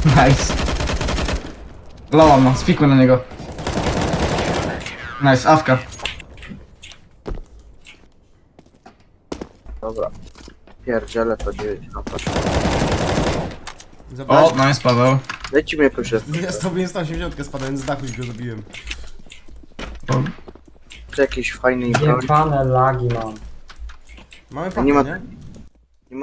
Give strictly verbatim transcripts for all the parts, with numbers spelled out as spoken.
Nice. Loła ma, spikuj na niego. Nice, awka. Dobra. Pierdziele to dziewięć. O, nice, Paweł. Dajcie mi jakąś Ja z tobą sto osiemdziesiąt spadając z dachu i go zabiłem. to jakiejś fajnej broni. Jebane lagi mam. Mamy Nie pakę, ma- nie? nie ma-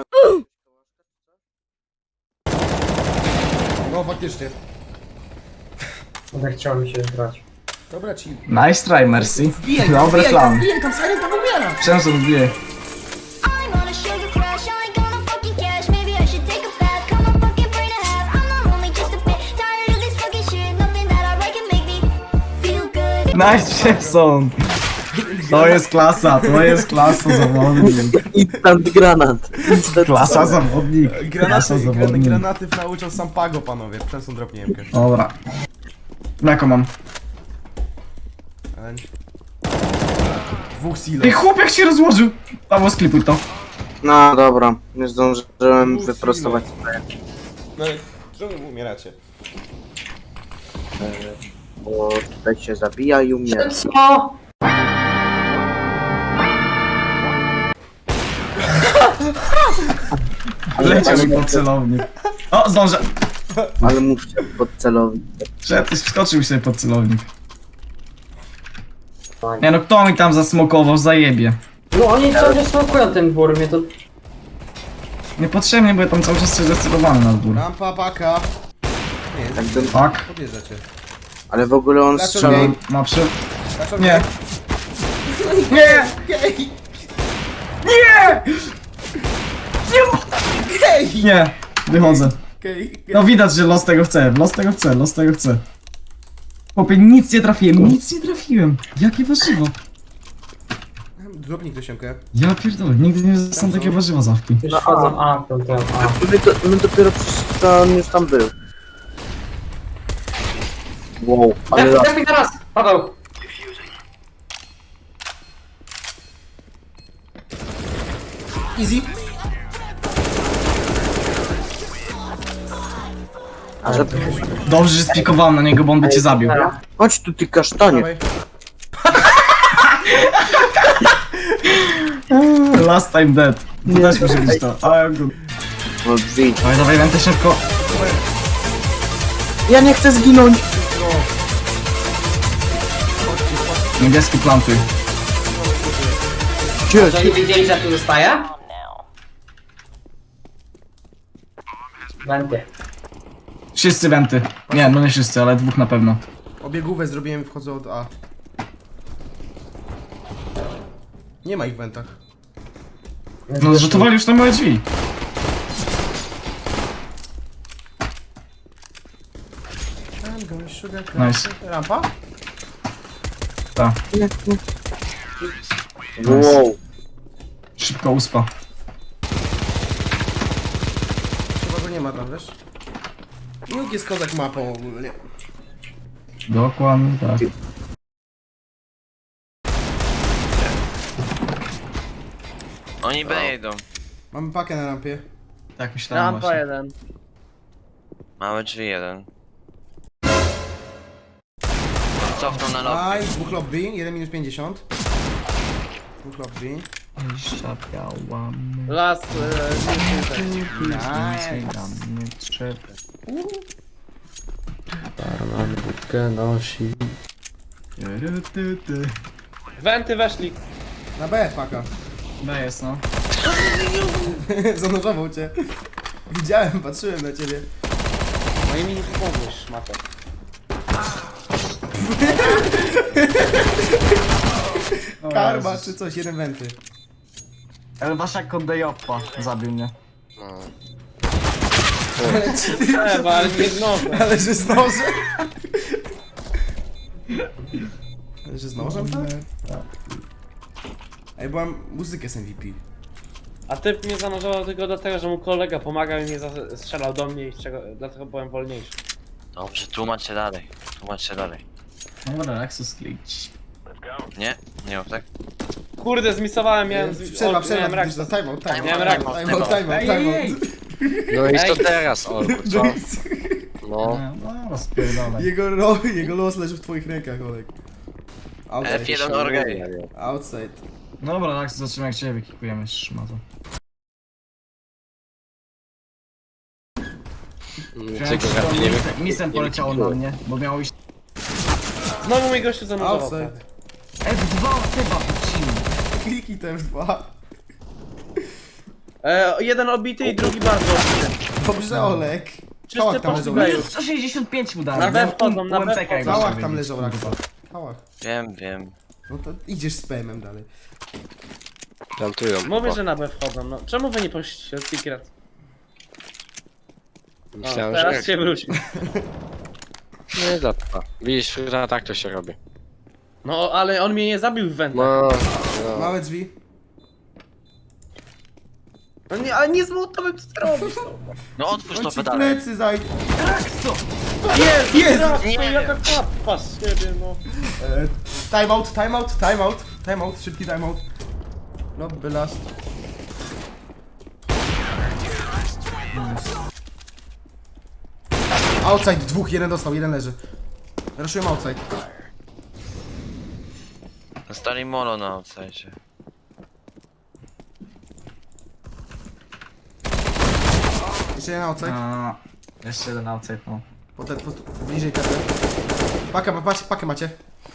No faktycznie. Będę chciał mi się grać. Dobra, ci. Nice try, Mercy. Wbijaj tam, Dobry wbijaj tam, plan. wbijaj tam, Siren tam umiera! Często wbiję. I'm on a sugar crash, I ain't gonna fucking cash. Maybe I should take a bath, cut my fucking brain in half. I'm not only just a bit tired of this fucking shit. Nothing that I write can make me feel good. Nice, Jackson. To jest klasa, to jest klasa zawodnik. Instant granat. Instant Klasa zawodnik. Klasa Granaty, gran, zawodnik. granaty nauczył sam Pago, panowie. Przesą dropniemkę. Dobra. Mleko mam. Dwóch silo. Ej, chłopak się rozłożył. Paweł, sklipuj to. No dobra, nie zdążyłem Uff, wyprostować. No ale czemu umieracie? Bo tutaj się zabija i umiera. Co? Leciał mi pod celownik. O, zdążę. Ale mówcie pod celownik. Że wskoczył sobie pod celownik. Nie no, kto mi tam zasmokował, zajebie. No oni cały smokują ten dwór, mnie to... Niepotrzebnie, bo ja tam cały czas się zdecydowany na dwór. Rampa, paka. Nie, Tak ten, Tak. podjeżdżacie. ale w ogóle on Dlaczego strzela. nie? Ma przy... Dlaczego Nie. Nie! Gej! Nie! Gej! Nie! Wychodzę. Gej! No widać, że los tego chce, los tego chce, los tego chce. Chłopie, nic nie trafiłem, nic nie trafiłem. Jakie warzywo? Dropnij ktosiemkę. Ja pierdolę, nigdy nie dostałem takiego warzywa zawki. Już wchodzą A, to ten A. My, to, my dopiero przecież to on już tam był. Wow, ale Daj, daj mi teraz! Paweł! Easy. a że... Dobrze, że spikowałem na niego, bo on by cię zabił. Chodź tu ty kasztanie. Dawaj. Last time dead. To też muszę być to. A, good. No drzwi. Dawaj, dawaj, będę szybko. Ja nie chcę zginąć. Niebieski plantuj. Cie, Że oni wiedzieli, że tu zostaje? Wenty. Wszyscy wenty. Nie, no nie wszyscy, ale dwóch na pewno. Obiegówę zrobiłem, wchodzę od A. Nie ma ich w wentach. No zrzutowali już na moje drzwi. Nice. Rampa? Tak. wow. Szybko uspa. Chyba go nie ma tam, wiesz? Milk jest kozak mapą ogólnie. Dokładnie tak. Oni B jedą. Mamy pakę na rampie. Tak myślałem Rampa właśnie. jeden. Małe drzwi jeden. Cofnął na lobby. Aj, dwóch lobby, jeden minus pięćdziesiąt. Dwóch lobby. Zapiałam. Las, e, Nice. Barman budkę nosi. Wenty weszli. Na B paka. B jest no. Zanurzował cię. Widziałem, patrzyłem na ciebie. No i mi nie pomóż, szmato. Karma czy coś, jeden wenty. Ale wasza kondejoppa zabił mnie. Trzeba, ale nie znowu. Ale że z nożem. Ale że z nożem, tak? Ej, byłam muzykę z M V P. A typ mnie zanurzował tylko dlatego, że mu kolega pomagał i mnie za- strzelał do mnie i z czego, dlatego byłem wolniejszy. Dobrze, tłumacz się dalej. Tłumacz się dalej. Dobra, Axus glitch. Nie? Nie mów tak? Kurde, zmisowałem, miałem... z- Przerwa, o, przerwa, miałem rak. time out, time out. Miałem rak. Time out, time out, time out. No i Ej. co teraz, Olku, co? No. No, no spierdolaj. Jego, ro, jego los leży w twoich rękach, Olek. Outside. F jeden orgej. Outside. Dobra, tak, zobaczymy jak cię wykikujemy, szmato. Czego ja nie wiem. Misem poleciało na mnie, bo miało iść... Znowu mój gościu zanurzował. Outside. F dwa chyba puścił. Kliknij te F dwa. E, jeden obity i drugi bardzo obity. Dobrze, Olek. Czysty Kałach tam poszli leżał. B Rakwa. już. sto sześćdziesiąt pięć mu dałem. Na miał B wchodzą, U- na B U M P K, jak wchodzą. Kałach można tam wiedzieć. leżał, Rakwa. Kałach. Wiem, wiem. No to idziesz z P M-em dalej. Plantują. Mówię, O, że na B wchodzą, no. Czemu wy nie poszliście od Secret? No, Myślałem, teraz że... się wróci. Nie za to. Widzisz, że tak to się robi. No, ale on mnie nie zabił w wędrach. No, no. Małe drzwi. No nie, ale nie z mołotowym, co ty robisz? No. No otwórz On to ci pedale. plecy zaj... Jest, jest! Nie Nie, wiem. jaka kappa z siebie, no. E, Timeout, timeout, timeout. Timeout, szybki timeout. No, by last. Outside, dwóch, jeden dostał, jeden leży. Raszuję outside. Stali mono na outside. Jeszcze jeden outside. A, jeszcze jeden outside, no. Potem, po, bliżej kartę. Pakę, ma- pakę, pakę macie.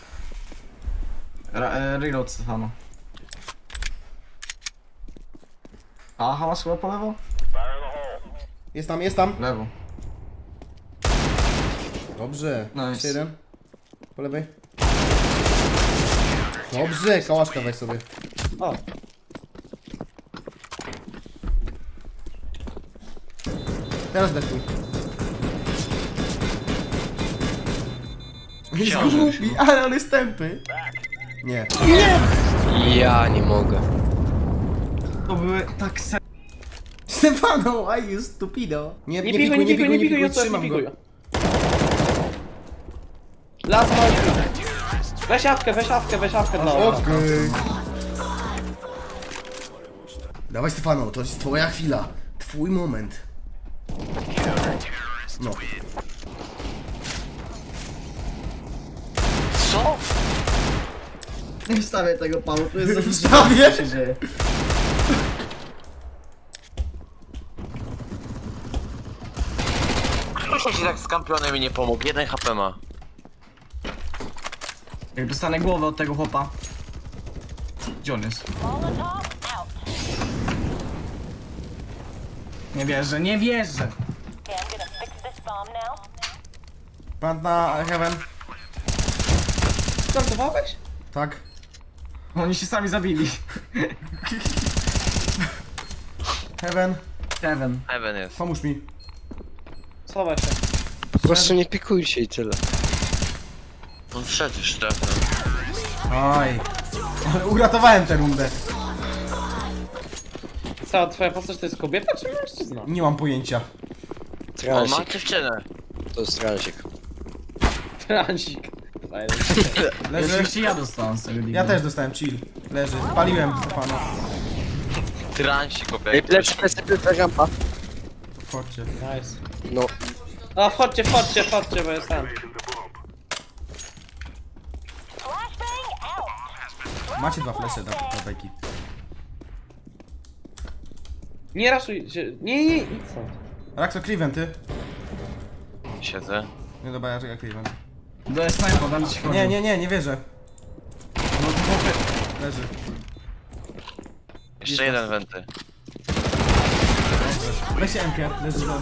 Ra e, reload Stefano. A, hałas chyba po lewo? Jest tam, jest tam. Lewo. Dobrze. Nice. Jeszcze jeden. Po lewej. Dobrze, kałaszka weź sobie. O, Teraz dekuj. Jest głupi, ale on jest tępy. Nie. Ja nie mogę. To były tak se... Stefano, I you stupido. Nie, nie pikuj, nie pikuj, nie pikuj, nie trzymam go. pikuj. Las ma... Weź awkę, weź awkę, weź awkę dla was. Okej. Dawaj Stefano, to jest twoja chwila. Twój moment. No. Co? Nie wstawię tego panu, to jest za Wstawię? co się dzieje. Proszę ci tak z kampionem i nie pomógł. Jeden H P ma. Jak dostanę głowę od tego chłopa. Gdzie on jest? Nie wierzę, nie wierzę! Plant na heaven. Startowałeś? Tak. Oni się sami zabili. Heaven. Kevin. Heaven jest. Pomóż mi. Schowaj się. Po prostu nie pikujcie i tyle. On wszedł już trafno. Oj. Ale uratowałem tę rundę. Cała twoja postać to jest kobieta czy mężczyzna? Nie mam pojęcia. On ma Transik. dziewczynę. To jest transik. Transik. Leży. Oczywiście ja dostałem z tego Ja też dostałem chill. Leży. Paliłem Stefano. Transi Ej, kobiety. plecy, plecy, plecy, rampa. Chodźcie. Nice. No, A wchodźcie, wchodźcie, wchodźcie, bo jestem. Macie dwa flesze do, do beki. Nie raszuj się. Nie, nie, nie. Co? Raxo Cliven, ty? Siedzę. Nie dobra, ja Cliven. Do snajpa, będę ci Nie, nie, nie, nie wierzę. No to chłopy. Leży. Jeszcze jeden wenty. Weźcie M K. Leży za do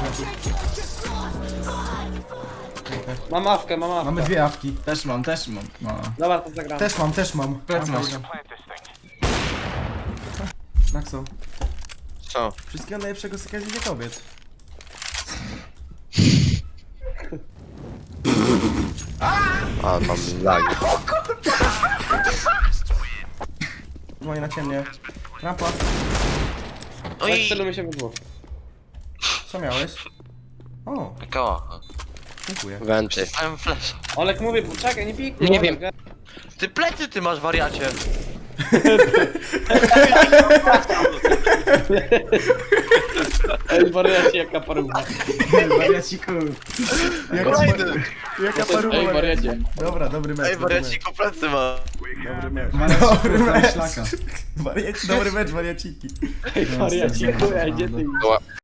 Mam awkę, mam awkę. Mamy dwie awki. Też mam, też mam. No. Dobra, to zagram. Też mam, też mam. Plecy masz. Raxo. Co? Wszystkiego najlepszego z okazji Dnia Kobiet. a mam lag. Moje na ciemnie. Rampa. Oj! Tak celujmy się w dwóch. Co miałeś? O, Koła. dziękuję. Wenty. Przestałem flash. Olek mówię, czekaj, nie pikuj. Nie Olek, wiem. Ty plecy ty masz wariacie. Ej, wariacie, jaka paruwa. Wariaciku. Jaka, Kolejny! jaka paruwa. Ej, wariacie. Dobra, dobry mecz. Ej, dobry mecz. wariaciku plecy ma. Dobry mecz. Wariaciku, Dobry cały mecz. szlaka. Wariaci, dobry mecz, wariaciki. Ej, wariacie, chuja, gdzie ty?